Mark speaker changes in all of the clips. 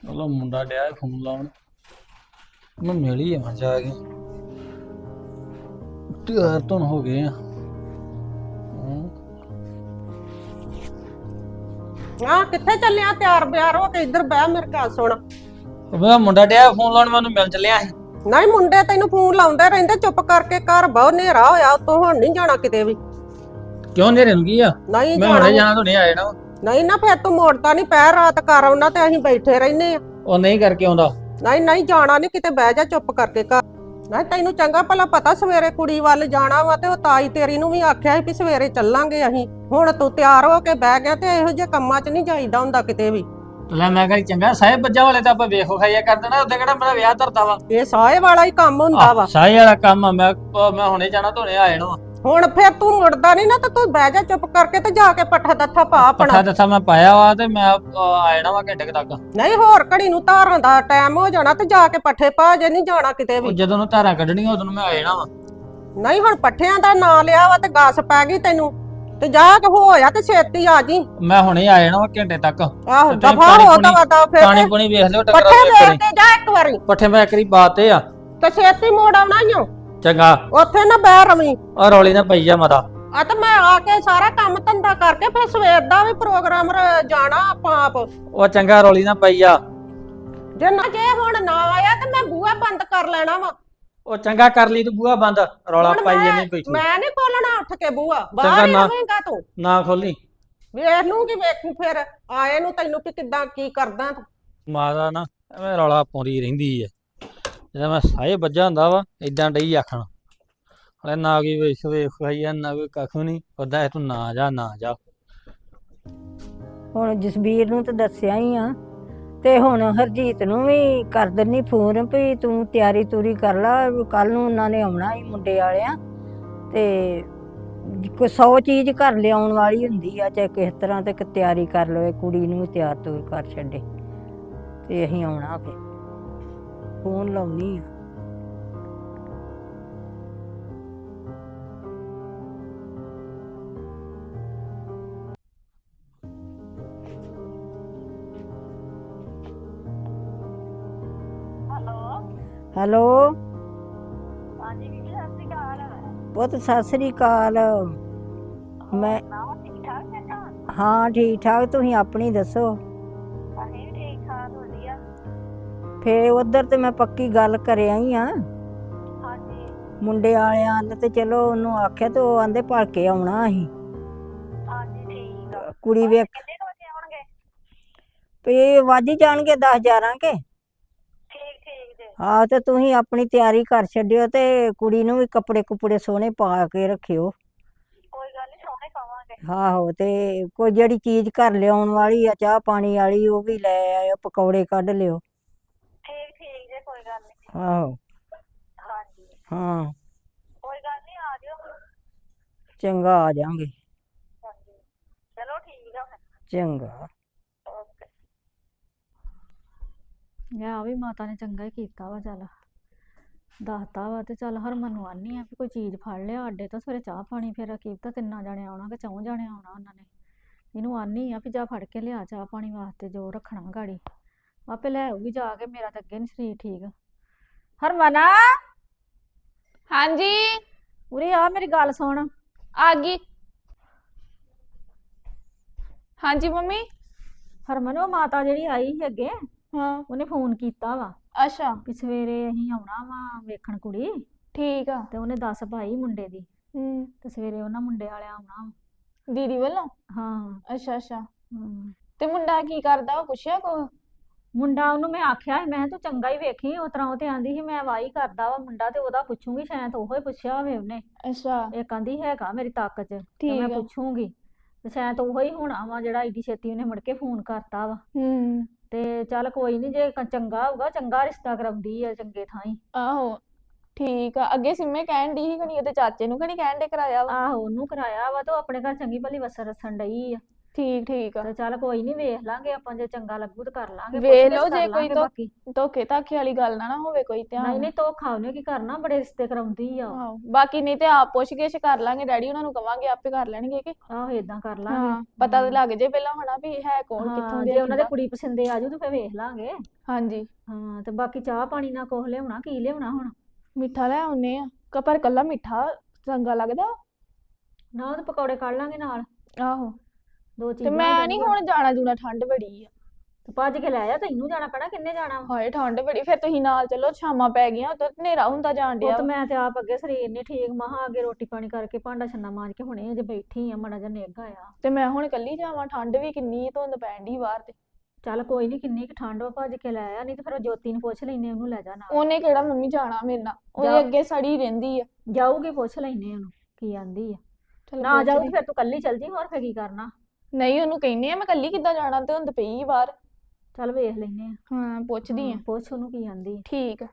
Speaker 1: ਚਲੋ ਮੁੰਡਾ ਡਿਆ ਫੋਨ ਲਾਉਣ ਮੈਂ ਮਿਲ ਹੀ ਆਵਾਂ ਜਾ ਕੇ ਤਿਆਰ ਧੁਨ ਹੋ ਗਏ ਆ
Speaker 2: ਆ ਕਿੱਥੇ ਚੱਲਿਆ ਤਿਆਰ ਬਿਆਰ ਹੋ ਕੇ ਇੱਧਰ ਬਹਿ ਮੇਰੇ ਗੱਲ ਸੁਣ।
Speaker 1: ਉਹ ਮੁੰਡਾ ਡਿਆ ਫੋਨ ਲਾਉਣ ਮੈਨੂੰ ਮਿਲ ਚੱਲਿਆ ਸੀ।
Speaker 2: ਨਹੀਂ ਮੁੰਡੇ ਤੈਨੂੰ ਫੋਨ ਲਾਉਂਦੇ ਰਹਿੰਦੇ ਚੁੱਪ ਕਰਕੇ ਘਰ ਬਹੁਤ ਹਨੇਰਾ ਹੋਇਆ ਉਤੋਂ ਹੁਣ ਨਹੀਂ ਜਾਣਾ ਕਿਤੇ ਵੀ।
Speaker 1: ਕਿਉਂ ਨੇਰੇ ਨੂੰ ਕੀ ਆ?
Speaker 2: ਨਹੀਂ
Speaker 1: ਮੈਂ ਹੁਣੇ ਜਾਣਾ ਤੋਂ ਨਹੀਂ ਆਏ ਨਾ।
Speaker 2: ਨਹੀਂ ਨਾ ਫਿਰ ਤੂੰ ਮੋੜਦਾ ਨਹੀਂ ਪੈ ਰਾਤ ਕਰ ਆਉਣਾ ਤੇ ਅਸੀਂ ਬੈਠੇ ਰਹਿੰਦੇ ਆ।
Speaker 1: ਉਹ ਨਹੀਂ ਕਰਕੇ ਆਉਂਦਾ।
Speaker 2: ਨਹੀਂ ਨਹੀਂ ਜਾਣਾ ਨਹੀਂ ਕਿਤੇ ਬਹਿ ਜਾ ਚੁੱਪ ਕਰਕੇ ਘਰ। ਨਹੀਂ ਤੈਨੂੰ ਚੰਗਾ ਭਲਾ ਪਤਾ ਸਵੇਰੇ ਕੁੜੀ ਵੱਲ ਜਾਣਾ ਵਾ ਤੇ ਉਹ ਤਾਈ ਤੇਰੀ ਨੂੰ ਵੀ ਆਖਿਆ ਸੀ ਵੀ ਸਵੇਰੇ ਚੱਲਾਂਗੇ ਅਸੀਂ। ਹੁਣ ਤੂੰ ਤਿਆਰ ਹੋ ਕੇ ਬਹਿ ਗਿਆ ਤੇ ਇਹੋ ਜਿਹੇ ਕੰਮਾਂ 'ਚ ਨਹੀਂ ਜਾਈਦਾ ਹੁੰਦਾ ਕਿਤੇ ਵੀ।
Speaker 1: ਲੈ ਮੈਂ ਕਿਹਾ ਚੰਗਾ ਸਾਹਿਬ ਬੱਜਾ ਵਾਲੇ ਤਾਂ ਆਪਾਂ ਵੇਖੋ ਖਾਈਆ ਕਰ ਦੇਣਾ ਉੱਤੇ ਕਿਹੜਾ ਮੇਰਾ ਵਿਆਹ ਧਰਦਾ ਵਾ।
Speaker 2: ਇਹ ਸਾਏ ਵਾਲਾ ਹੀ ਕੰਮ ਹੁੰਦਾ ਵਾ।
Speaker 1: ਸਾਈ ਵਾਲਾ ਕੰਮ ਆ। ਮੈਂ ਹੁਣੇ ਜਾਣਾ ਧੋਣੇ ਆ ਜਾਣਾ।
Speaker 2: ਹੁਣ ਫਿਰ ਤੂੰ ਮੁੜਦਾ ਨਹੀਂ ਨਾ ਤਾਂ ਤੂੰ ਬਹਿ ਜਾ ਚੁੱਪ ਕਰਕੇ ਤੇ ਜਾ ਕੇ ਪੱਠਾ ਦੱਥਾ ਪਾ ਆਪਣਾ।
Speaker 1: ਪੱਠਾ ਦੱਥਾ ਮੈਂ ਪਾਇਆ ਵਾ ਤੇ ਮੈਂ ਆ ਜਾਣਾ ਵਾ ਘੰਟੇ ਤੱਕ।
Speaker 2: ਨਹੀਂ ਹੋਰ ਘੜੀ ਨੂੰ ਧਾਰਾਂ ਦਾ ਟਾਈਮ ਹੋ ਜਾਣਾ ਤੇ ਜਾ ਕੇ ਪੱਠੇ ਪਾ ਜੇ ਨਹੀਂ ਜਾਣਾ ਕਿਤੇ ਵੀ।
Speaker 1: ਜਦੋਂ ਨੂੰ ਧਾਰਾਂ ਕੱਢਣੀਆਂ ਉਦੋਂ ਨੂੰ ਮੈਂ ਆ ਜਾਣਾ ਵਾ।
Speaker 2: ਨਹੀਂ ਹੁਣ ਪੱਠਿਆਂ ਦਾ ਨਾਂ ਲਿਆ ਵਾ ਤੇ ਗਾਸ ਪੈ ਗਈ ਤੈਨੂੰ ਤੇ ਜਾ ਕੇ ਹੋਇਆ ਤੇ ਛੇਤੀ ਆ ਜੀ।
Speaker 1: ਮੈਂ ਹੁਣੇ ਆ ਜਾਣਾ ਵਾ ਘੰਟੇ ਤੱਕ।
Speaker 2: ਆਹੋ ਦਫਾ ਹੋ ਦਵਾ ਫਿਰ
Speaker 1: ਪਾਣੀ ਪੁਣੀ ਵੇਖ ਲਿਓ ਟੱਕਰਾ
Speaker 2: ਪੱਠੇ
Speaker 1: ਇੱਕ
Speaker 2: ਵੇਖ ਕੇ ਜਾ ਇੱਕ ਵਾਰੀ
Speaker 1: ਪੱਠੇ ਮੈਂ ਇੱਕ ਵਾਰੀ ਬਾਤੇ ਆ
Speaker 2: ਤੇ ਛੇਤੀ ਮੋੜ ਆਉਣਾ ਈ ਓ।
Speaker 1: ਚੰਗਾ
Speaker 2: ਉੱਥੇ ਨਾ ਬਹਿ ਰਵੀਂ।
Speaker 1: ਆ ਰੌਲੀ ਨਾ ਪਈ ਜਾ ਮਤਾ।
Speaker 2: ਆ ਤੇ ਮੈਂ ਆ ਕੇ ਸਾਰਾ ਕੰਮ ਧੰਦਾ ਕਰਕੇ ਫਿਰ ਸਵੇਰ ਦਾ ਵੀ ਪ੍ਰੋਗਰਾਮ ਜਾਣਾ ਆਪਾਂ ਆਪ।
Speaker 1: ਉਹ ਚੰਗਾ ਰੌਲੀ ਨਾ ਪਈ ਜਾ।
Speaker 2: ਜੇ ਹੁਣ ਨਾ ਆਇਆ ਤੇ ਮੈਂ ਬੂਹਾ ਬੰਦ ਕਰ ਲੈਣਾ ਵਾ।
Speaker 1: ਉਹ ਚੰਗਾ ਕਰ ਲਈ ਤੂੰ ਬੂਹਾ ਬੰਦ। ਰੌਲਾ ਪਾਈ ਜਾਨੀ ਕੋਈ
Speaker 2: ਮੈਂ ਨਹੀਂ ਖੋਲਣਾ ਉੱਠ ਕੇ ਬੂਹਾ ਬਾਹਰ
Speaker 1: ਚੰਗਾ
Speaker 2: ਹੀ
Speaker 1: ਨਾ।
Speaker 2: ਰਵੇਂਗਾ ਤੂੰ।
Speaker 1: ਨਾ ਖੋਲੀ।
Speaker 2: ਵੇਖ ਲੂੰਗੀ ਵੇਖੂ ਫਿਰ ਆਏ ਨੂੰ ਤੈਨੂੰ ਵੀ ਕਿੱਦਾਂ ਕੀ ਕਰਦਾ ਤੂੰ।
Speaker 1: ਮਾਤਾ ਨਾ ਐਵੇਂ ਰੌਲਾ ਪਾਉਂਦੀ ਰਹਿੰਦੀ ਐ। ਜਦੋਂ ਮੈਂ ਸਾਹੇ ਵੱਜਾ ਹੁੰਦਾ ਵਾ ਇਦਾਂ ਡਈ ਆਖਣ ਹਲੇ ਨਾ ਕੋਈ ਵੇਖ ਖਾਈ ਆ ਨਾ ਕੋਈ ਕੱਖ ਨਹੀਂ ਉਦਾਂ ਤੂੰ ਨਾ ਜਾ ਨਾ ਜਾ।
Speaker 3: ਹੁਣ ਜਸਬੀਰ ਨੂੰ ਤਾਂ ਦੱਸਿਆ ਹੀ ਆ ਤੇ ਹੁਣ ਹਰਜੀਤ ਨੂੰ ਵੀ ਕਰ ਦਿੰਨੀ ਫੋਨ ਵੀ ਤੂੰ ਤਿਆਰੀ ਤੂਰੀ ਕਰ ਲਾ ਕੱਲ ਨੂੰ ਉਹਨਾਂ ਨੇ ਆਉਣਾ ਹੀ ਮੁੰਡੇ ਵਾਲਿਆਂ ਤੇ ਕੋਈ 100 ਚੀਜ਼ ਘਰ ਲਿਆਉਣ ਵਾਲੀ ਹੁੰਦੀ ਆ ਚਾਹੇ ਕਿਸ ਤਰ੍ਹਾਂ ਤੇ ਤਿਆਰੀ ਕਰ ਲਵੇ ਕੁੜੀ ਨੂੰ ਵੀ ਤਿਆਰ ਤੂਰ ਕਰ ਛੱਡੇ ਤੇ ਅਸੀਂ ਆਉਣਾ ਫੇ ਫੋਨ ਲਾਉਣੀ ਆ। ਹੈਲੋ
Speaker 4: ਹਾਂਜੀ ਵੀਰ ਜੀ ਸਤਿ ਸ਼੍ਰੀ ਅਕਾਲ।
Speaker 3: ਪੁੱਤ ਸਤਿ ਸ੍ਰੀ ਅਕਾਲ। ਮੈਂ
Speaker 4: ਠੀਕ ਠਾਕ ਹੈ ਤਾਂ
Speaker 3: ਹਾਂ ਠੀਕ ਠਾਕ ਤੁਸੀਂ ਆਪਣੀ ਦੱਸੋ।
Speaker 4: ਅਸੀਂ ਵੀ ਠੀਕ ਠਾਕ ਵਧੀਆ।
Speaker 3: ਫੇ ਉਧਰ ਤੇ ਮੈਂ ਪੱਕੀ ਗੱਲ ਕਰ ਆਈ ਆ
Speaker 4: ਹਾਂਜੀ
Speaker 3: ਮੁੰਡੇ ਵਾਲਿਆਂ ਨੇ ਤੇ ਚਲੋ ਉਹਨੂੰ ਆਖਿਆ ਤੇ ਉਹ ਆਂਦੇ ਭਲਕੇ ਆਉਣਾ ਅਸੀਂ
Speaker 4: ਹਾਂਜੀ ਠੀਕ ਆ।
Speaker 3: ਕੁੜੀ ਵੇਖ
Speaker 4: ਕਿੰਨੇ ਕੁ ਵਜੇ ਆਉਣਗੇ?
Speaker 3: ਪੇ ਵੱਜ ਹੀ ਜਾਣਗੇ 10-11 ਕੇ।
Speaker 4: ਠੀਕ ਠੀਕ ਜੇ।
Speaker 3: ਹਾਂ ਤੇ ਤੁਸੀਂ ਆਪਣੀ ਤਿਆਰੀ ਕਰ ਛੱਡਿਓ ਤੇ ਕੁੜੀ ਨੂੰ ਵੀ ਕੱਪੜੇ ਕੁਪੜੇ ਸੋਹਣੇ ਪਾ ਕੇ ਰੱਖਿਓ।
Speaker 4: ਕੋਈ ਗੱਲ ਨਹੀਂ ਸੋਹਣੇ ਪਾਵਾਂਗੇ।
Speaker 3: ਆਹੋ ਤੇ ਕੋਈ ਜਿਹੜੀ ਚੀਜ਼ ਘਰ ਲਿਆਉਣ ਵਾਲੀ ਆ ਚਾਹ ਪਾਣੀ ਵਾਲੀ ਉਹ ਵੀ ਲੈ ਆਇਓ ਪਕੌੜੇ ਕੱਢ ਲਿਓ।
Speaker 4: ਠੀਕ ਠੀਕ ਜੇ ਕੋਈ ਗੱਲ ਨਹੀਂ।
Speaker 3: ਆਹੋ
Speaker 4: ਹਾਂਜੀ
Speaker 3: ਹਾਂ
Speaker 4: ਕੋਈ ਗੱਲ ਨਹੀਂ ਆ ਜਿਓ।
Speaker 3: ਚੰਗਾ ਆ ਜਾਾਂਗੇ।
Speaker 4: ਹਾਂਜੀ ਚਲੋ ਠੀਕ ਆ ਫਿਰ।
Speaker 3: ਚੰਗਾ
Speaker 4: ਓਕੇ।
Speaker 5: ਆ ਵੀ ਮਾਤਾ ਨੇ ਚੰਗਾ ਹੀ ਕੀਤਾ ਵਾ। ਚੱਲ ਦੱਸਤਾ ਵਾ ਤੇ ਚੱਲ ਹਰਮਨ ਨੂੰ ਆਨੀ ਆ ਵੀ ਕੋਈ ਚੀਜ਼ ਫੜ ਲਿਆ ਅੱਡੇ ਤੋਂ ਸਵੇਰੇ ਚਾਹ ਪਾਣੀ ਫਿਰ ਕੀ ਪਤਾ 3 ਜਣੇ ਆਉਣਾ ਕਿ 4 ਜਣੇ ਆਉਣਾ ਉਹਨਾਂ ਨੇ। ਇਹਨੂੰ ਆਨੀ ਆ ਵੀ ਜਾ ਫੜ ਕੇ ਲਿਆ ਚਾਹ ਪਾਣੀ ਵਾਸਤੇ ਜੋ ਰੱਖਣਾ ਗਾੜੀ ਆਪੇ ਲੈ ਆਊਗੀ ਜਾ ਕੇ। ਮੇਰਾ ਤਾਂ ਅੱਗੇ ਨੀ ਸਰੀਰ ਠੀਕ। ਹਰਮਨ
Speaker 6: ਹਾਂਜੀ
Speaker 5: ਉਰੇ ਆ ਮੇਰੀ ਗੱਲ ਸੁਣ।
Speaker 6: ਆ ਗਈ। ਹਾਂਜੀ ਮੰਮੀ।
Speaker 5: ਹਰਮਨ ਉਹ ਮਾਤਾ ਜਿਹੜੀ ਆਈ ਸੀ ਅੱਗੇ
Speaker 6: ਹਾਂ
Speaker 5: ਉਹਨੇ ਫੋਨ ਕੀਤਾ ਵਾ
Speaker 6: ਅੱਛਾ
Speaker 5: ਵੀ ਸਵੇਰੇ ਅਸੀਂ ਆਉਣਾ ਵਾ ਵੇਖਣ ਕੁੜੀ
Speaker 6: ਠੀਕ ਆ।
Speaker 5: ਤੇ ਉਹਨੇ ਦੱਸ ਪਾਈ ਮੁੰਡੇ ਦੀ
Speaker 6: ਹੂੰ
Speaker 5: ਤੇ ਸਵੇਰੇ ਉਹਨਾਂ ਮੁੰਡੇ ਵਾਲਿਆਂ ਆਉਣਾ ਵਾ।
Speaker 6: ਦੀਦੀ ਵੱਲੋਂ।
Speaker 5: ਹਾਂ
Speaker 6: ਅੱਛਾ ਅੱਛਾ
Speaker 5: ਹਮ।
Speaker 6: ਤੇ ਮੁੰਡਾ ਕੀ ਕਰਦਾ ਉਹ ਪੁੱਛਿਆ ਕੋ?
Speaker 5: ਮੁੰਡਾ ਉਹਨੂੰ ਮੈਂ ਆਖਿਆ ਸੀ ਮੈਂ ਕਿਹਾ ਤੂੰ ਚੰਗਾ ਹੀ ਵੇਖੀ ਉਸ ਤਰ੍ਹਾਂ ਉਹ ਤੇ ਆਂਦੀ ਸੀ ਮੈਂ ਵਾਹੀ ਕਰਦਾ ਵਾ ਮੁੰਡਾ ਤੇ ਉਹਦਾ ਪੁੱਛੂਗੀ ਸ਼ਾਇਦ ਉਹੋ ਹੀ ਪੁੱਛਿਆ ਹੋਵੇ ਉਹਨੇ।
Speaker 6: ਅੱਛਾ
Speaker 5: ਇਹ ਕਹਿੰਦੀ ਹੈਗਾ ਮੇਰੀ ਤਾਕਤ 'ਚ ਤੇ
Speaker 6: ਠੀਕ
Speaker 5: ਮੈਂ
Speaker 6: ਆ।
Speaker 5: ਪੁੱਛੂਗੀ ਤੇ ਸ਼ਾਇਦ ਉਹੋ ਹੀ ਹੋਣਾ ਵਾ ਜਿਹੜਾ ਏਡੀ ਛੇਤੀ ਉਹਨੇ ਮੁੜ ਕੇ ਫੋਨ ਕਰਤਾ ਵਾ।
Speaker 6: ਹੂੰ
Speaker 5: ਤੇ ਚੱਲ ਕੋਈ ਨਹੀਂ ਜੇ ਚੰਗਾ ਹੋਊਗਾ ਚੰਗਾ ਰਿਸ਼ਤਾ ਕਰਾਉਂਦੀ ਆ ਚੰਗੇ ਥਾਂ ਹੀ।
Speaker 6: ਆਹੋ ਠੀਕ ਆ। ਅੱਗੇ ਸਿੰਮੇ ਕਹਿਣ ਡਈ ਸੀ ਕਣੀ ਉਹਦੇ ਚਾਚੇ ਨੂੰ ਕਣੀ ਕਹਿਣ ਦੇ ਕਰਾਇਆ ਵਾ।
Speaker 5: ਆਹੋ ਉਹਨੂੰ ਕਰਾਇਆ ਵਾ ਤੇ ਉਹ ਆਪਣੇ ਘਰ ਚੰਗੀ ਭਲੀ ਵਸਣ ਰਸਣ ਡਈ ਆ।
Speaker 6: ਠੀਕ ਠੀਕ ਆ।
Speaker 5: ਤੇ ਚੱਲ ਕੋਈ ਨਹੀਂ ਵੇਖ ਲਾਂਗੇ ਆਪਾਂ, ਜੇ ਚੰਗਾ ਲੱਗੂ ਤੇ ਕਰ ਲਾਂਗੇ,
Speaker 6: ਵੇਖ
Speaker 5: ਪੁੱਛ-ਗਿੱਛ
Speaker 6: ਲਓ,
Speaker 5: ਕਰ
Speaker 6: ਜੇ ਕੋਈ
Speaker 5: ਲਾਂਗੇ
Speaker 6: ਤੋਂ
Speaker 5: ਬਾਕੀ।
Speaker 6: ਧੋਖੇ ਧਾਖੇ ਵਾਲੀ ਗੱਲ ਨਾ ਹੋਵੇ ਕੋਈ ਧਿਆਨ।
Speaker 5: ਨਹੀਂ ਨਹੀਂ ਧੋਖਾ ਉਹਨੇ ਕੀ ਕਰਨਾ, ਬੜੇ ਰਿਸ਼ਤੇ ਕਰਾਉਂਦੀ ਆ ਉਹ।
Speaker 6: ਆਹੋ, ਬਾਕੀ ਨਹੀਂ ਤੇ ਆਪ ਪੁੱਛ ਗਿੱਛ ਕਰ ਲਾਂਗੇ, ਡੈਡੀ ਉਹਨਾਂ ਨੂੰ ਕਵਾਂਗੇ ਆਪੇ ਕਰ ਲੈਣਗੇ ਕਿ
Speaker 5: ਆਹੋ ਏਦਾਂ ਕਰ
Speaker 6: ਹਾਂ
Speaker 5: ਲਾਂਗੇ।
Speaker 6: ਪਤਾ ਤਾਂ ਲੱਗ ਜੇ ਪਹਿਲਾਂ ਹੋਣਾ ਵੀ ਹੈ ਕੌਣ ਕਿੱਥੋਂ
Speaker 5: ਹਾਂ,
Speaker 6: ਦੇ
Speaker 5: ਜੇ ਉਹਨਾਂ ਦੇ
Speaker 6: ਕਿੱਦਾਂ।
Speaker 5: ਕੁੜੀ ਪਸੰਦੇ ਆ ਜੂ ਤੇ ਫੇਰ ਵੇਖ ਲਾਂਗੇ।
Speaker 6: ਹਾਂਜੀ
Speaker 5: ਹਾਂ ਤੇ ਬਾਕੀ ਚਾਹ ਪਾਣੀ ਨਾਲ ਕੁਛ ਲਿਆਉਣਾ, ਕੀ ਲਿਆਉਣਾ ਹੁਣ?
Speaker 6: ਮਿੱਠਾ ਲੈ ਆਉਨੇ ਆ, ਪਰ ਕੱਲਾ ਮਿੱਠਾ ਚੰਗਾ ਲੱਗਦਾ।
Speaker 5: ਨਾ ਉਹਦੇ ਪਕੌੜੇ ਕੱਢ ਲਾਂਗੇ ਨਾਲ,
Speaker 6: ਆਹੋ
Speaker 5: ਦੋ
Speaker 6: ਤੇ
Speaker 5: ਚੀਜ਼ਾਂ ਹੋ
Speaker 6: ਮੈਂ ਨਹੀਂ
Speaker 5: ਜਾਣਗੀਆਂ।
Speaker 6: ਹੁਣ ਜਾਣਾ ਜੂਣਾ, ਠੰਡ ਬੜੀ ਆ।
Speaker 5: ਤੇ ਭੱਜ ਕੇ ਲੈ ਆ, ਤੈਨੂੰ ਜਾਣਾ ਪੈਣਾ, ਕਿੰਨੇ ਜਾਣਾ ਵਾ?
Speaker 6: ਹਾਏ ਠੰਡ ਬੜੀ, ਫਿਰ ਤੁਸੀਂ ਨਾਲ ਚੱਲੋ, ਸ਼ਾਮਾਂ ਪੈ ਗਈਆਂ ਉਦੋਂ ਹਨੇਰਾ ਹੁੰਦਾ ਜਾਣ ਡਿਆ
Speaker 5: ਪੁੱਤ
Speaker 6: ਵਾ।
Speaker 5: ਮੈਂ ਤੇ ਆਪ ਅੱਗੇ ਸਰੀਰ ਨਹੀਂ ਠੀਕ, ਮਹਾ ਅੱਗੇ ਰੋਟੀ ਪਾਣੀ ਕਰਕੇ ਭਾਂਡਾ ਛੰਨਾ ਮਾਂਜ ਕੇ ਹੁਣੇ ਅਜੇ ਬੈਠੀ ਆ, ਮਾੜਾ ਜਿਹਾ ਨਿੱਘ ਆਇਆ।
Speaker 6: ਤੇ ਮੈਂ ਹੁਣ ਕੱਲੀ ਜਾਵਾਂ, ਠੰਡ ਵੀ ਕਿੰਨੀ ਆ, ਧੁੰਦ ਪੈਣ ਡਈ ਬਾਹਰ ਤੇ।
Speaker 5: ਚੱਲ ਕੋਈ ਨਹੀਂ, ਕਿੰਨੀ ਕੁ ਠੰਡ ਵਾ, ਭੱਜ ਕੇ ਲੈ ਆ, ਨਹੀਂ ਤੇ ਫਿਰ ਉਹ ਜੋਤੀ ਨੂੰ ਪੁੱਛ ਲੈਨੇ, ਉਹਨੂੰ ਲੈ ਜਾ ਨਾਲ।
Speaker 6: ਉਹਨੇ ਕਿਹੜਾ ਮੰਮੀ ਜਾਣਾ ਮੇਰੇ ਨਾਲ, ਉਹਦੇ
Speaker 5: ਜਾ।
Speaker 6: ਅੱਗੇ ਸੜੀ ਰਹਿੰਦੀ ਆ।
Speaker 5: ਜਾਊਗੀ, ਪੁੱਛ ਲੈਨੇ ਉਹਨੂੰ ਕੀ ਆਂਦੀ ਆ।
Speaker 6: ਚੱਲ
Speaker 5: ਨਾ ਜਾਊ
Speaker 6: ਪੁੱਛਦੀ।
Speaker 5: ਤੇ ਫਿਰ ਤੂੰ ਕੱਲੀ ਚੱਲ ਜੀ, ਹੋਰ ਫਿਰ ਕੀ ਕਰਨਾ?
Speaker 6: ਨਹੀਂ ਉਹਨੂੰ ਕਹਿੰਨੇ ਆ ਮੈਂ ਕੱਲੀ ਕਿੱਦਾਂ ਜਾਣਾ, ਧੁੰਦ ਪਈ ਆ ਬਾਹਰ।
Speaker 5: ਚੱਲ ਵੇਖ ਲੈਨੇ ਆ।
Speaker 6: ਹਾਂ ਪੁੱਛਦੀ ਆ।
Speaker 5: ਪੁੱਛ ਉਹਨੂੰ ਕੀ ਆਂਦੀ ਆ।
Speaker 6: ਠੀਕ ਆ।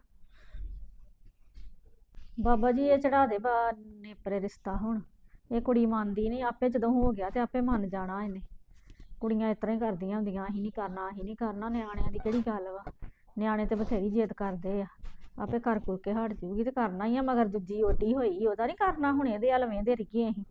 Speaker 5: ਬਾਬਾ ਜੀ ਇਹ ਚੜਾ ਦੇ ਬਾ ਨੇਪਰੇ ਰਿਸ਼ਤਾ ਹੁਣ, ਇਹ ਕੁੜੀ ਮੰਨਦੀ ਨਹੀਂ, ਆਪੇ ਜਦੋਂ ਹੋ ਗਿਆ ਤੇ ਆਪੇ ਮੰਨ ਜਾਣਾ ਇਹਨੇ। ਕੁੜੀਆਂ ਇਸ ਤਰ੍ਹਾਂ ਹੀ ਕਰਦੀਆਂ ਹੁੰਦੀਆਂ, ਅਸੀਂ ਨਹੀਂ ਕਰਨਾ, ਅਸੀਂ ਨਹੀਂ ਕਰਨਾ। ਨਿਆਣਿਆਂ ਦੀ ਕਿਹੜੀ ਗੱਲ ਵਾ, ਨਿਆਣੇ ਤੇ ਬਥੇਰੀ ਜਿੱਦ ਕਰਦੇ ਆ, ਆਪੇ ਕਰ ਕੁਰ ਕੇ ਹਟ ਜੂਗੀ ਤੇ ਕਰਨਾ ਹੀ ਆ। ਮਗਰ ਦੂਜੀ ਓਡੀ ਹੋਈ, ਉਹਦਾ ਨਹੀਂ ਕਰਨਾ, ਹੁਣ ਇਹਦੇ ਵੱਲ ਵੇਂਦੇ ਰਹੀਏ ਅਸੀਂ।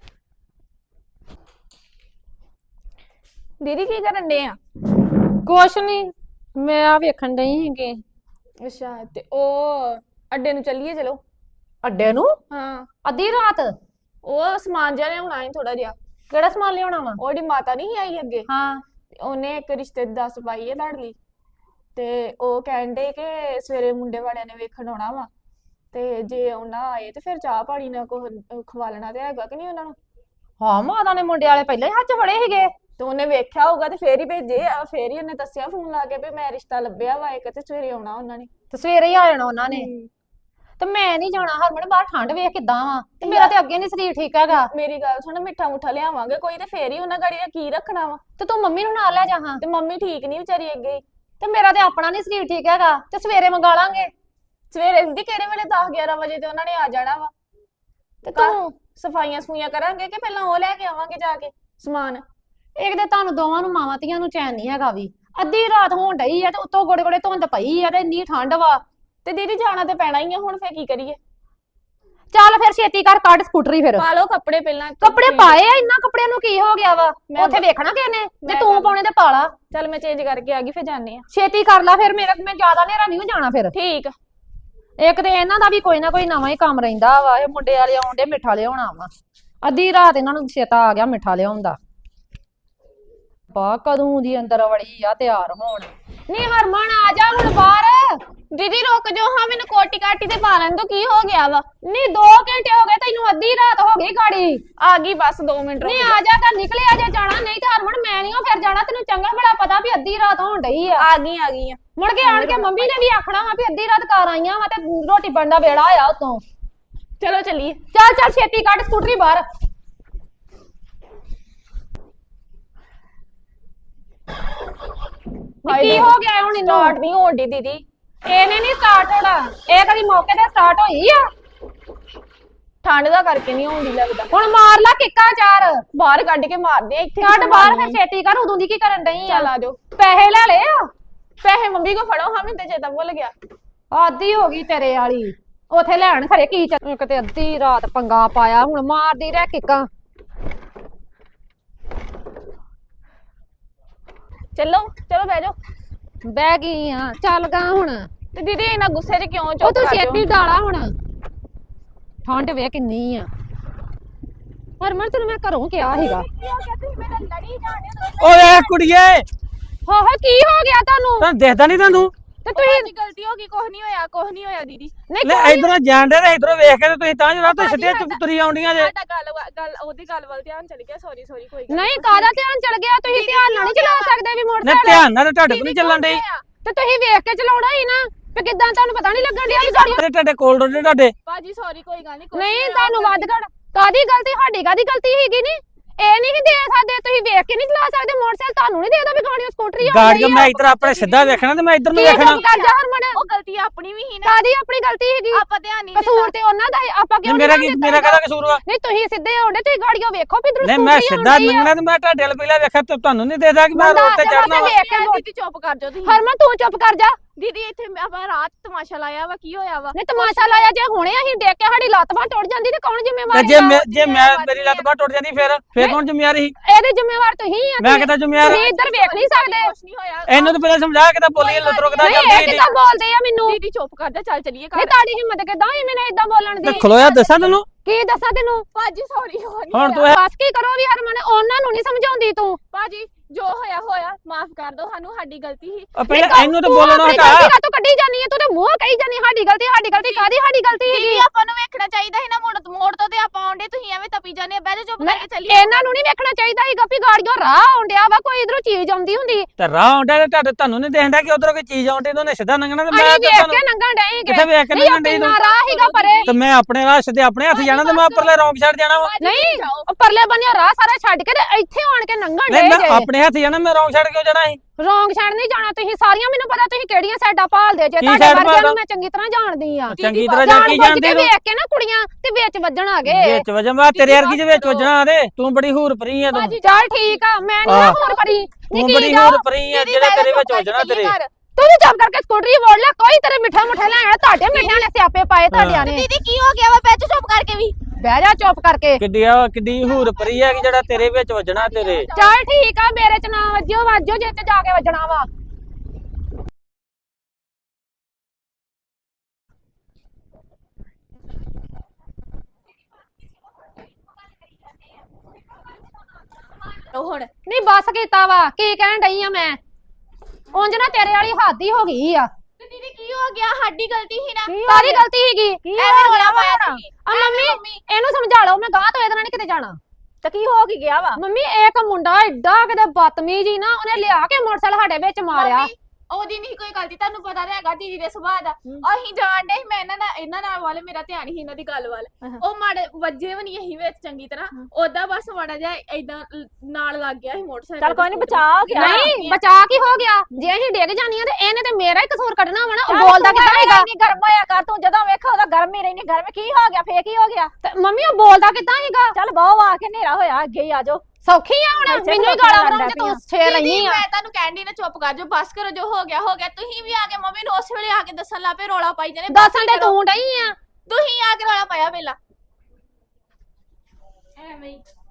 Speaker 6: ਦੀਦੀ ਕੀ ਕਰਨ ਡੇ ਆ?
Speaker 7: ਕੁਛ ਨਹੀਂ, ਮੈਂ ਆ ਵੇਖਣ ਡਈ ਸੀਗੀ।
Speaker 6: ਅੱਛਾ ਤੇ ਉਹ ਅੱਡੇ ਨੂੰ ਚੱਲੀਏ, ਚਲੋ।
Speaker 7: ਅੱਡੇ ਨੂੰ
Speaker 6: ਹਾਂ
Speaker 7: ਅੱਧੀ ਰਾਤ?
Speaker 6: ਉਹ ਸਮਾਨ ਜਿਹਾ ਲਿਆਉਣਾ ਹੈ ਥੋੜਾ ਜਿਹਾ।
Speaker 7: ਕਿਹੜਾ ਸਮਾਨ ਲਿਆਉਣਾ ਵਾ?
Speaker 6: ਉਹਦੀ ਮਾਤਾ ਨਹੀਂ ਆਈ ਅੱਗੇ,
Speaker 7: ਹਾਂ
Speaker 6: ਉਹਨੇ ਇੱਕ ਰਿਸ਼ਤੇ ਦੀ ਦੱਸ ਪਾਈ ਹੈ ਲਾੜਲੀ, ਤੇ ਉਹ ਕਹਿੰਦੇ ਕਿ ਸਵੇਰੇ ਮੁੰਡੇ ਵਾਲਿਆਂ ਨੇ ਵੇਖਣ ਆਉਣਾ ਵਾ, ਤੇ ਜੇ ਉਹਨਾਂ ਆਏ ਤੇ ਫਿਰ ਚਾਹ ਪਾਣੀ ਨਾਲ ਕੁਛ ਖਵਾਲਣਾ ਤੇ ਹੈਗਾ ਕਿ ਨਹੀਂ ਉਹਨਾਂ ਨੂੰ।
Speaker 7: ਹਾਂ, ਮਾਤਾ ਨੇ ਮੁੰਡੇ ਵਾਲੇ ਪਹਿਲਾਂ ਹੀ ਹੱਥ ਫੜੇ ਸੀਗੇ।
Speaker 6: ਤੇ ਉਹਨੇ ਵੇਖਿਆ ਹੋਊਗਾ ਤੇ ਫੇਰ ਹੀ ਭੇਜੇ ਆ, ਫੇਰ ਹੀ ਉਹਨੇ ਦੱਸਿਆ ਫੋਨ ਲਾ ਕੇ ਵੀ ਮੈਂ ਰਿਸ਼ਤਾ ਲੱਭਿਆ ਵਾ ਇੱਕ, ਤੇ ਸਵੇਰੇ ਆਉਣਾ ਉਹਨਾਂ ਨੇ।
Speaker 7: ਤੇ ਸਵੇਰੇ ਹੀ ਆ ਜਾਣਾ ਉਹਨਾਂ ਨੇ। ਤੇ ਮੈਂ ਨਹੀਂ ਜਾਣਾ ਹਰਮਨ, ਬਾਹਰ ਠੰਡ ਵੇਖ ਕਿਦਾਂ ਵਾ, ਤੇ ਮੇਰਾ ਤੇ ਅੱਗੇ ਨਹੀਂ ਸਰੀਰ ਠੀਕ ਹੈਗਾ।
Speaker 6: ਮੇਰੀ ਗੱਲ ਸੁਣ, ਮਿੱਠਾ ਮੁੱਠਾ ਲਿਆਵਾਂਗੇ ਕੋਈ ਤੇ ਫੇਰ ਹੀ ਉਹਨਾਂ ਗਾੜੀ ਦਾ ਕੀ ਰੱਖਣਾ ਵਾ।
Speaker 7: ਤੇ ਤੂੰ ਮੰਮੀ ਨੂੰ ਨਾਲ ਲੈ ਜਾ ਹਾਂ।
Speaker 6: ਤੇ ਮੰਮੀ ਠੀਕ ਨਹੀਂ ਵਿਚਾਰੀ ਅੱਗੇ ਹੀ।
Speaker 7: ਤੇ ਮੇਰਾ ਤੇ ਆਪਣਾ ਨਹੀਂ ਸਰੀਰ ਠੀਕ ਹੈਗਾ, ਤੇ ਸਵੇਰੇ ਮੰਗਾ ਲਾਂਗੇ।
Speaker 6: ਸਵੇਰੇ ਦੀ ਕਿਹੜੇ ਵੇਲੇ 10-11 ਵਜੇ ਤੇ ਉਹਨਾਂ ਨੇ ਆ ਜਾਣਾ ਵਾ। ਤੇ
Speaker 7: ਤੂੰ
Speaker 6: ਸਫਾਈਆਂ ਸਫੂਈਆਂ ਕਰਾਂਗੇ ਕਿ ਪਹਿਲਾਂ ਉਹ ਲੈ ਕੇ ਆਵਾਂਗੇ ਜਾ ਕੇ ਸਮਾਨ।
Speaker 7: ਇੱਕ ਤੇ ਤੁਹਾਨੂੰ ਦੋਵਾਂ ਨੂੰ ਮਾਵਾਂ ਧੀਆਂ ਨੂੰ ਚੈਨ ਨਹੀਂ ਹੈਗਾ ਵੀ। ਅੱਧੀ ਰਾਤ ਹੋਣ ਡਈ ਆ ਤੇ ਉੱਤੋਂ ਗੋੜੇ ਗੋੜੇ ਧੁੰਦ ਪਈ ਆ ਤੇ ਇੰਨੀ ਠੰਡ ਵਾ।
Speaker 6: ਤੇ ਦੀਦੀ ਜਾਣਾ ਤੇ ਪੈਣਾ ਹੀ ਆ ਹੁਣ, ਫੇਰ ਕੀ ਕਰੀਏ?
Speaker 7: ਚੱਲ ਫਿਰ ਛੇਤੀ ਕਰ, ਕੱਢ ਸਕੂਟਰੀ ਫਿਰ।
Speaker 6: ਪਾ ਲਓ ਕੱਪੜੇ ਪਹਿਲਾਂ।
Speaker 7: ਕੱਪੜੇ ਪਾਏ ਆ, ਇੰਨਾ ਕੱਪੜਿਆਂ ਨੂੰ ਕੀ ਹੋ ਗਿਆ ਵਾ?
Speaker 6: ਮੈਂ
Speaker 7: ਉੱਥੇ ਵੇਖਣਾ ਕਿਸੇ ਨੇ, ਜੇ
Speaker 6: ਮੈਂ
Speaker 7: ਤੂੰ
Speaker 6: ਕਰ-
Speaker 7: ਪਾਉਣੇ ਤੇ ਪਾ ਲਾ।
Speaker 6: ਚੱਲ ਮੈਂ ਚੇਂਜ ਕਰਕੇ ਆ ਗਈ, ਫੇਰ ਜਾਂਦੇ ਆ।
Speaker 7: ਛੇਤੀ ਕਰ ਲਾ ਫਿਰ, ਮੇਰਾ ਮੈਂ ਜ਼ਿਆਦਾ ਹਨੇਰਾ ਨਹੀਂ ਜਾਣਾ ਫਿਰ।
Speaker 6: ਠੀਕ ਆ।
Speaker 7: ਇੱਕ ਤੇ ਇਹਨਾਂ ਦਾ ਵੀ ਕੋਈ ਨਾ ਕੋਈ ਨਵਾਂ ਹੀ ਕੰਮ ਰਹਿੰਦਾ ਵਾ, ਇਹ ਮੁੰਡੇ ਵਾਲੇ ਆਉਂਦੇ ਮਿੱਠਾ ਲਿਆਉਣਾ ਵਾ। ਅੱਧੀ ਰਾਤ ਇਹਨਾਂ ਨੂੰ ਚੇਤਾ ਆ ਗਿਆ ਮਿੱਠਾ ਲਿਆਉਣ ਦਾ। ਬਾ ਕਦੋਂ ਦੀ ਅੰਦਰ ਵੜੀ ਆ ਤਿਆਰ ਹੋਣ। ਨੀ ਹਰਮਨ ਆ ਜਾ ਹੁਣ ਬਾਹਰ।
Speaker 6: ਦੀਦੀ ਰੁਕ ਜਾਓ, ਹਾਂ ਮੈਨੂੰ ਕੋਟੀ ਕਾਟੀ ਤੇ ਪਾ ਲੈਣ ਦੋ, ਕੀ ਹੋ ਗਿਆ ਵਾ?
Speaker 7: ਨੀ 2 ਘੰਟੇ ਹੋ ਗਏ ਤੈਨੂੰ, ਅੱਧੀ ਰਾਤ ਹੋ ਗਈ ਗਾੜੀ।
Speaker 6: ਆ ਗਈ ਬਸ 2 ਮਿੰਟ
Speaker 7: ਨੀ
Speaker 6: ਰੁਕ
Speaker 7: ਆ ਜਾ ਕਰ, ਨਿਕਲਿਆ ਜੇ ਜਾਣਾ, ਨਹੀਂ ਤੇ ਹਰਮਨ ਮੈਂ ਨਹੀਂ ਫਿਰ ਜਾਣਾ। ਤੈਨੂੰ ਚੰਗਾ ਬੜਾ ਪਤਾ ਵੀ ਅੱਧੀ ਰਾਤ ਹੋਣ ਡਈ ਆ।
Speaker 6: ਆ ਗਈ ਆ।
Speaker 7: ਮੁੜ ਕੇ ਆਣ ਕੇ ਮੰਮੀ ਨੇ ਵੀ ਆਖਣਾ ਵਾ ਵੀ ਅੱਧੀ ਰਾਤ ਘਰ ਆਈਆਂ ਵਾ ਤੇ ਰੋਟੀ ਬਣਨ ਦਾ ਵੇਲਾ ਆਇਆ ਉਤੋਂ।
Speaker 6: ਚਲੋ ਚੱਲੀਏ।
Speaker 7: ਚੱਲ ਚੱਲ ਛੇਤੀ ਕੱਢ ਸਕੂਟਰੀ ਬਾਹਰ। ਕੀ ਹੋ ਗਿਆ ਹੁਣ ਇਹਨੂੰ?
Speaker 6: ਸਟਾਰਟ ਨਹੀਂ ਹੋਣ ਦੀ ਦੀਦੀ।
Speaker 7: ਇਹਨੇ ਨਹੀਂ ਸਟਾਰਟ ਹੋਣਾ, ਇਹ ਕਦੀ ਮੌਕੇ ਤੇ ਸਟਾਰਟ ਹੋਈ ਆ?
Speaker 6: ਠੰਡ ਦਾ ਕਰਕੇ ਨਹੀਂ ਹੋਣ ਦੀ ਲੱਗਦਾ।
Speaker 7: ਹੁਣ ਮਾਰ ਲਾ ਕਿੱਕਾਂ ਚਾਰ,
Speaker 6: ਬਾਹਰ ਕੱਢ ਕੇ ਮਾਰਦੇ ਆ ਇੱਥੇ।
Speaker 7: ਕੱਢ ਬਾਹਰ ਫਿਰ ਛੇਤੀ ਕਰ, ਉਦੋਂ ਦੀ ਕੀ ਕਰਨ ਡਈ ਆ?
Speaker 6: ਚੱਲ ਆ ਜਾਓ।
Speaker 7: ਪੈਸੇ ਲੈ ਲਏ ਆ?
Speaker 6: ਪੈਸੇ ਮੰਮੀ ਕੋ ਫੜੋ, ਹਾਂ ਮੈਨੂੰ ਤੇ ਚੇਤਾ ਭੁੱਲ ਗਿਆ।
Speaker 7: ਆਦੀ ਹੋ ਗਈ ਤੇਰੇ ਵਾਲੀ, ਉਥੇ ਲੈਣ ਖਰੇ ਕੀ ਚੱਲ। ਕਿਤੇ ਅੱਧੀ ਰਾਤ ਪੰਗਾ ਪਾਇਆ, ਹੁਣ ਮਾਰਦੀ ਰਹਿ ਕਿੱਕਾਂ।
Speaker 6: ਚਲੋ ਬਹਿ ਜਾਓ।
Speaker 7: ਬਹਿ ਗਈ ਆ, ਚੱਲ ਗਾ ਹੁਣ।
Speaker 6: ਤੇ ਦੀਦੀ ਇਹਨਾਂ ਗੁੱਸੇ 'ਚ ਕਿਉਂ
Speaker 7: ਉਹ
Speaker 6: ਚੁੱਪ
Speaker 7: ਤੂੰ
Speaker 6: ਕਰ
Speaker 7: ਛੇਤੀ
Speaker 6: ਜਾਓ?
Speaker 7: ਡਾਲਾ ਹੁਣ, ਠੰਡ ਵੇ ਕਿੰਨੀ ਆ। ਹਰਮਨ ਤੈਨੂੰ ਮੈਂ ਘਰੋਂ ਕਿਹਾ ਸੀਗਾ।
Speaker 1: ਓਏ ਕੁੜੀਏ,
Speaker 7: ਹਾਂ ਕੀ ਹੋ ਗਿਆ ਤੁਹਾਨੂੰ?
Speaker 1: ਤੈਨੂੰ ਦਿਖਦਾ ਨਹੀਂ ਤੈਨੂੰ?
Speaker 7: ਤੇ ਤੁਸੀਂ
Speaker 6: ਗਲਤੀ ਹੋ ਗਈ, ਕੁਝ ਨਹੀਂ ਹੋਇਆ ਦੀਦੀ।
Speaker 7: ਨਹੀਂ
Speaker 1: ਲੈ ਇਧਰੋਂ ਜਾਣ ਦੇ, ਇਧਰੋਂ ਵੇਖ ਕੇ ਤੇ ਤੁਸੀਂ ਤਾਂ ਜਰਾ ਤੇ ਸਿੱਧੇ ਤੁਰੀ ਆਉਂਦੀਆਂ ਜੇ।
Speaker 6: ਗੱਲ ਉਹਦੀ ਗੱਲ ਵੱਲ ਧਿਆਨ ਚਲ ਗਿਆ, ਸੌਰੀ ਕੋਈ
Speaker 7: ਨਹੀਂ ਕਾਹਦਾ ਧਿਆਨ ਚਲ ਗਿਆ? ਤੁਸੀਂ ਧਿਆਨ ਨਾਲ ਨਹੀਂ ਚਲਾ ਸਕਦੇ ਵੀ
Speaker 1: ਨਾ
Speaker 7: ਮੋਟਰਸਾਈਕਲ।
Speaker 1: ਧਿਆਨ ਨਾਲ ਤੁਹਾਡੇ ਕੋਲ ਨਹੀਂ ਚੱਲਣ ਡਈ
Speaker 7: ਤੇ ਤੁਸੀਂ ਵੇਖ ਕੇ ਚਲਾਉਣਾ ਹੀ ਨਾ, ਤੇ ਕਿੱਦਾਂ ਤੁਹਾਨੂੰ ਪਤਾ ਨਹੀਂ ਲੱਗਣ ਡਿਆ ਵੀ ਗਾੜੀ।
Speaker 1: ਤੇ ਤੁਹਾਡੇ ਕੋਲ ਤੁਹਾਡੇ
Speaker 6: ਭਾਜੀ ਸੌਰੀ ਕੋਈ ਗੱਲ ਨਹੀਂ।
Speaker 7: ਨਹੀਂ ਤੁਹਾਨੂੰ ਵੱਧ ਘੜ ਕਾਦੀ ਗਲਤੀ, ਸਾਡੀ ਕਾਦੀ ਗਲਤੀ ਹੈਗੀ? ਨਹੀਂ ਇਹ ਨਹੀਂ ਦੇ ਸਕਦੇ ਤੁਸੀਂ ਵੇਖ ਕੇ ਨਹੀਂ ਚਲਾ ਸਕਦੇ ਮੋਟਰਸਾਈਕਲ ਤੁਹਾਨੂੰ ਨਹੀਂ ਦੇਦਾ ਵੀ ਗਾੜੀਆਂ ਸਕੂਟਰੀ ਆ
Speaker 1: ਗਾੜੀਆਂ ਮੈਂ ਇੱਧਰ ਆਪਣੇ ਸਿੱਧਾ ਵੇਖਣਾ ਤੇ ਮੈਂ ਇੱਧਰ ਨੂੰ ਵੇਖਣਾ
Speaker 7: ਚੁੱਪ ਕਰ ਜਾ ਹਰਮਨ
Speaker 6: ਉਹ ਗਲਤੀ ਆਪਣੀ ਵੀ ਹੀ ਨਾ
Speaker 7: ਕਾਦੀ ਆਪਣੀ ਗਲਤੀ ਹੈਗੀ
Speaker 6: ਆਪਾਂ ਧਿਆਨ ਨਹੀਂ
Speaker 7: ਕਸੂਰ ਤੇ ਉਹਨਾਂ ਦਾ ਆਪਾਂ ਕਿਉਂ
Speaker 1: ਮੇਰਾ
Speaker 7: ਨਹੀਂ
Speaker 1: ਮੇਰਾ ਕਾਹਦਾ ਕਸੂਰ ਵਾ
Speaker 7: ਨਹੀਂ ਤੁਸੀਂ ਸਿੱਧੇ ਆਉਂਦੇ ਤੁਸੀਂ ਗਾੜੀਆਂ ਵੇਖੋ ਵੀ ਇਧਰੋਂ
Speaker 1: ਨਹੀਂ ਮੈਂ ਸਿੱਧਾ ਲੰਘਣਾ ਤੇ ਮੈਂ ਤੁਹਾਡੇ ਵੱਲ ਪਹਿਲਾਂ ਵੇਖਿਆ ਤੇ ਤੁਹਾਨੂੰ ਨਹੀਂ ਦੇਦਾ ਕਿ ਮੈਂ ਰੋਡ ਤੇ ਚੜਨਾ ਵਾ
Speaker 7: ਵੇਖ ਕੇ
Speaker 6: ਦੀਦੀ ਚੁੱਪ ਕਰ ਜਾਓ ਤੁਸੀਂ
Speaker 7: ਹਰਮਨ ਤੂੰ ਚੁੱਪ ਕਰ ਜਾ
Speaker 6: ਦੀਦੀ ਇੱਥੇ ਆਪਾਂ ਰਾਤ ਤਮਾਸ਼ਾ ਲਾਇਆ ਵਾ ਕੀ ਹੋਇਆ ਵਾ
Speaker 7: ਨਹੀਂ ਤਮਾਸ਼ਾ ਲਾਇਆ ਜੇ ਹੁਣੇ ਅਸੀਂ ਦੇਖ ਕੇ ਸਾਡੀ ਲੱਤ ਬਾਂਹ ਟੁੱਟ ਜਾਂਦੀ ਤੇ ਕੌਣ
Speaker 1: ਤੇ
Speaker 7: ਜ਼ਿੰਮੇਵਾਰ
Speaker 1: ਜੇ ਮੈਂ ਮੇਰੀ ਲੱਤ ਬਾਂਹ ਟੁੱਟ ਜਾਂਦੀ ਫਿਰ ਕੌਣ ਜ਼ਿੰਮੇਵਾਰ ਸੀ
Speaker 7: ਇਹਦੇ ਜ਼ਿੰਮੇਵਾਰ ਤੁਸੀਂ ਆ
Speaker 1: ਮੈਂ ਕਿਦਾਂ ਜ਼ਿੰਮੇਵਾਰ
Speaker 7: ਤੁਸੀਂ ਇੱਧਰ ਵੇਖ ਨਹੀਂ ਸਕਦੇ
Speaker 6: ਕੁਛ ਨਹੀਂ ਹੋਇਆ
Speaker 1: ਇਹਨੂੰ ਤਾਂ ਪਹਿਲਾਂ ਸਮਝਾ ਕਿਦਾਂ ਬੋਲੀ ਲੁੱਤਰੋ ਕਿਦਾਂ
Speaker 7: ਨਹੀਂ
Speaker 1: ਚੱਲਦੀ
Speaker 7: ਇਹ ਕਿਦਾਂ ਬੋਲਦੇ ਆ ਮੈਨੂੰ
Speaker 6: ਦੀਦੀ ਚੁੱਪ ਕਰ ਜਾ ਚੱਲ ਚਲੀਏ
Speaker 7: ਨਹੀਂ
Speaker 6: ਘਰ
Speaker 7: ਤੁਹਾਡੀ ਹਿੰਮਤ ਕਿਦਾਂ ਹੋਈ ਮੈਨੂੰ ਇਦਾਂ ਬੋਲਣ
Speaker 1: ਤੇ
Speaker 7: ਦੀ
Speaker 1: ਖਲੋਇਆ ਦੱਸਾਂ ਤੈਨੂੰ
Speaker 7: ਕੀ ਦੱਸਾਂ ਤੈਨੂੰ
Speaker 6: ਭਾਜੀ ਸੌਰੀ ਹੋ ਨਹੀਂ
Speaker 1: ਹੁਣ ਤੂੰ
Speaker 7: ਬਸ ਕੀ ਕਰੋ ਵੀ ਹਰਮਨ ਉਹਨਾਂ ਨੂੰ ਨਹੀਂ ਸਮਝਾਉਂਦੀ ਤੂੰ
Speaker 6: ਭਾਜੀ ਜੋ ਹੋਇਆ ਹੋਇਆ ਮਾਫ ਕਰ ਦਿਓ ਸਾਨੂੰ ਸਾਡੀ ਗਲਤੀ ਸੀ
Speaker 1: ਪਹਿਲਾਂ ਇਹਨੂੰ ਤਾਂ
Speaker 7: ਤੂੰ
Speaker 1: ਬੋਲਣਾ
Speaker 7: ਆਪਣੀ
Speaker 1: ਹਟਾ
Speaker 7: ਗਲਤੀ ਕਾਹਤੋਂ ਕੱਢੀ ਜਾਨੀ ਹੈ ਤੂੰ ਤੇ ਮੂੰਹ ਕਹੀ ਜਾਨੀ ਸਾਡੀ ਗਲਤੀ ਕਾਦੀ ਸਾਡੀ ਗਲਤੀ ਹੈਗੀ
Speaker 6: ਦੀਦੀ ਆਪਾਂ ਨੂੰ ਵੇਖਣਾ ਚਾਹੀਦਾ ਸੀ ਨਾ ਮੋੜ ਤੋਂ ਤੇ ਆਪਾਂ ਆਉਂਦੇ ਤੁਸੀਂ ਐਵੇਂ ਤਪੀ ਜਾਂਦੇ ਬਹਿ ਜਾ ਚੁੱਪ ਕਰਕੇ ਚੱਲੀਏ
Speaker 7: ਇਹਨਾਂ ਨੂੰ ਨਹੀਂ ਵੇਖਣਾ ਚਾਹੀਦਾ ਸੀਗਾ ਵੀ ਗਾੜੀਆਂ ਰਾਹ ਆਉਂਦਿਆ ਵਾ ਕੋਈ ਇਧਰੋਂ ਚੀਜ਼ ਆਉਂਦੀ ਹੁੰਦੀ
Speaker 1: ਤੇ ਰਾਹ ਆਉਂਦਾ ਤੇ ਤੁਹਾਨੂੰ ਨਹੀਂ ਦੇਖਦਾ ਕਿ ਉਧਰੋਂ ਕੋਈ ਚੀਜ਼ ਆਉਂਦੀ ਉਹਨੇ ਸਿੱਧਾ ਲੰਘਣਾ ਤੇ ਮੈਂ
Speaker 7: ਅਸੀਂ ਵੇਖ ਕੇ ਲੰਘਣ ਡਏ
Speaker 1: ਕਿੱਥੇ ਵੇਖ ਕੇ ਲੰਘਣ ਡਈ ਤੂੰ?
Speaker 7: ਰਾਹ ਸੀਗਾ ਪਰੇ
Speaker 1: ਤੇ ਮੈਂ ਆਪਣੇ ਰਾਹ ਸਿੱਧੇ ਆਪਣੇ ਹੱਥ ਜਾਣਾ ਤੇ ਮੈਂ ਉੱਪਰਲੇ ਰੌਂਗ ਸਾਈਡ ਜਾਣਾ ਵਾ
Speaker 7: ਨਹੀਂ ਉਹ ਪਰਲੇ ਬੰਨਿਓ ਰਾਹ ਸਾਰਾ ਛੱਡ ਕੇ ਤੇ ਇੱਥੇ ਆਣ ਕੇ ਲੰਘਣ
Speaker 1: ਨਹੀਂ
Speaker 7: ਡਏ
Speaker 1: ਮੈਂ
Speaker 7: ਜੇ
Speaker 1: ਆਪਣੇ ਹੱਥ ਜਾਣਾ ਮੈਂ ਰੌਂਗ ਸਾਈਡ ਕਿਉਂ ਜਾਣਾ ਸੀ
Speaker 7: ਰੌਂਗ ਸਾਈਡ ਨਹੀਂ ਜਾਣਾ ਤੁਸੀਂ ਸਾਰੀਆਂ ਮੈਨੂੰ ਪਤਾ ਤੁਸੀਂ ਕਿਹੜੀਆਂ ਸਾਈਡਾਂ ਭਾਲਦੇ ਜੇ
Speaker 1: ਕੀ
Speaker 7: ਤੁਹਾਡੇ
Speaker 1: side
Speaker 7: ਵਰਗਿਆਂ
Speaker 1: ਭਾਲਦਾ?
Speaker 7: ਨੂੰ ਮੈਂ ਚੰਗੀ ਤਰ੍ਹਾਂ ਜਾਣਦੀ ਆ
Speaker 1: ਚੰਗੀ ਤਰ੍ਹਾਂ ਜਾ ਕੀ
Speaker 7: ਜਾਣ
Speaker 1: ਜਾਣਦੀ
Speaker 7: ਕੇ
Speaker 1: ਤੂੰ
Speaker 7: ਵੇਖ ਕੇ ਨਾ ਕੁੜੀਆਂ ਤੇ ਵਿੱਚ ਵੱਜਣ ਆ ਗਏ
Speaker 1: ਵਿੱਚ ਵਜਾ ਮੈਂ ਤੇਰੇ ਵਰਗੀ ਦੇ ਵਿੱਚ ਵਜਣਾ ਦੇ ਤੂੰ ਬੜੀ ਹੂਰ ਪਰੀ ਆ ਤੂੰ
Speaker 7: ਚੱਲ ਠੀਕ ਆ ਮੈਂ ਨਹੀਂ
Speaker 1: ਆਹ।
Speaker 7: ਹੋਰ ਕਰੀ
Speaker 1: ਤੂੰ ਬੜੀ ਹੂਰ ਪਰੀ ਆ ਜਿਹੜੇ ਤੇਰੇ ਵਿੱਚ ਵਜਣਾ ਤੇਰੇ
Speaker 7: ਤੂੰ ਵੀ ਚੁੱਪ ਕਰਕੇ ਸਕੂਟਰੀ ਮੋੜ ਲੈ ਕੋਈ ਤੇਰੇ ਮਿੱਠਾ ਮੁੱਠਾ ਲੈਣਾ ਤੁਹਾਡੇ ਮਿੱਠਿਆਂ ਨੇ ਸਿਆਪੇ ਪਾਏ ਤੁਹਾਡਿਆਂ ਨੇ
Speaker 6: ਦੀਦੀ ਕੀ ਹੋ ਗਿਆ ਵਾ ਬਹਿ ਜਾ ਚੁੱਪ ਕਰਕੇ ਵੀ
Speaker 7: ਬਹਿ ਜਾ ਚੁੱਪ ਕਰਕੇ
Speaker 1: ਕਿੱਡੀ ਹੂਰ ਪਰੀ ਆ ਕਿ ਜਿਹੜਾ ਤੇਰੇ ਵਿੱਚ ਵਜਣਾ ਤੇਰੇ
Speaker 7: ਚੱਲ ਠੀਕ ਆ ਮੇਰੇ ਚ ਨਾ ਵੱਜੋ ਜਿੱਥੇ ਜਾ ਕੇ ਵੱਜਣਾ ਵਾ
Speaker 6: ਹੁਣ
Speaker 7: ਨਹੀਂ ਬਸ ਕੀਤਾ ਵਾ ਕੀ ਕਹਿਣ ਡਈ ਆ ਮੈਂ ਉਂਝ ਨਾ ਤੇਰੇ ਵਾਲੀ ਹੱਦ ਹੀ ਹੋ ਗਈ ਆ
Speaker 6: ਦੀਦੀ ਕੀ ਹੋ ਗਿਆ ਸਾਡੀ ਗਲਤੀ ਸੀ ਨਾ
Speaker 7: ਸਾਰੀ ਗਲਤੀ ਹੈਗੀ
Speaker 6: ਐਵੇਂ ਰੋਲਾ ਪਾਇਆ ਤੁਸੀਂ
Speaker 7: ਆ ਮੰਮੀ ਇਹਨੂੰ ਸਮਝਾ ਲਓ ਮੈਂ ਗਾਂ ਤੋਂ ਇਹਦੇ ਨਾਲ ਨਹੀਂ ਕਿਤੇ ਜਾਣਾ
Speaker 3: ਤੇ ਕੀ ਹੋ ਕੀ ਗਿਆ ਵਾ
Speaker 7: ਮੰਮੀ ਇੱਕ ਮੁੰਡਾ ਐਡਾ ਕਿਤੇ ਬਦਤਮੀਜ਼ ਹੀ ਨਾ ਉਹਨੇ ਲਿਆ ਕੇ ਮੋਟਰਸਾਈਕਲ ਸਾਡੇ ਵਿੱਚ ਮਾਰਿਆ
Speaker 6: ਉਹਦੀ ਨਹੀਂ ਕੋਈ ਗਲਤੀ ਤੁਹਾਨੂੰ ਪਤਾ ਤਾਂ ਹੈਗਾ ਦੀਦੀ ਦੇ ਸੁਭਾਅ ਦਾ ਅਸੀਂ ਜਾਣ ਡੇ ਮੈਂ ਇਹਨਾਂ ਨਾਲ ਵਾਲੇ ਮੇਰਾ ਧਿਆਨ ਹੀ ਇਹਨਾਂ ਦੀ ਗੱਲ ਵੱਲ ਉਹ ਮਾੜੇ ਵੱਜੇ ਵੀ ਨਹੀਂ ਅਸੀਂ ਵਿੱਚ ਚੰਗੀ ਤਰ੍ਹਾਂ ਉਹਦਾ ਬਸ ਮਾੜਾ ਜਿਹਾ ਏਦਾਂ ਨਾਲ ਲੱਗ ਗਿਆ ਸੀ ਮੋਟਰਸਾਈਕਲ
Speaker 3: ਚੱਲ ਕੋਈ ਨਹੀਂ ਬਚਾ ਗਿਆ
Speaker 7: ਨਹੀਂ ਬਚਾ ਕੀ ਹੋ ਗਿਆ ਜੇ ਅਸੀਂ ਡਿੱਗ ਜਾਨੀਆਂ ਤੇ ਇਹਨੇ ਤੇ ਮੇਰਾ ਹੀ ਕਸੂਰ ਕੱਢਣਾ ਵਾ ਨਾ ਉਹ ਬੋਲਦਾ ਕਿੱਦਾਂ ਹੈਗਾ
Speaker 3: ਨਹੀਂ ਗਰਮ ਹੋਇਆ ਕਰ ਤੂੰ ਜਦੋਂ ਵੇਖਾ ਉਹਦਾ ਗਰਮ ਹੀ ਰਹਿਣੀ ਗਰਮ ਕੀ ਹੋ ਗਿਆ ਫੇਰ ਕੀ ਹੋ ਗਿਆ
Speaker 7: ਤੇ ਮੰਮੀ ਉਹ ਬੋਲਦਾ ਕਿੱਦਾਂ ਹੈਗਾ
Speaker 3: ਚੱਲ ਬਹੁ ਆ ਕੇ ਹਨੇਰਾ ਹੋਇਆ ਅੱਗੇ ਹੀ ਆ ਜਾਓ
Speaker 7: ਸੌਖੀ ਆ ਹੁਣ ਮੈਨੂੰ ਹੀ ਗਾਲਾਂ ਵਰਾਉਣ ਚ ਤੂੰ ਛੇ ਰਹੀ ਆ
Speaker 6: ਮੈਂ ਤੁਹਾਨੂੰ ਕਹਿੰਦੀ ਨਾ ਚੁੱਪ ਕਰ ਜਾਓ ਬਸ ਕਰੋ ਜੋ ਹੋ ਗਿਆ ਤੁਸੀਂ ਵੀ ਆ ਕੇ ਮੰਮੀ ਨੂੰ ਉਸ ਵੇਲੇ ਆ ਕੇ ਦੱਸਣ ਲੱਪੇ ਰੋਲਾ ਪਾਈ ਜਾਨੇ
Speaker 7: ਦੱਸਣ ਦੇ ਤੂੰ ਡਈ ਆ
Speaker 6: ਤੁਸੀਂ ਆ ਕੇ ਰੋਲਾ ਪਾਇਆ ਪਹਿਲਾਂ ਐਵੇਂ ਹੀ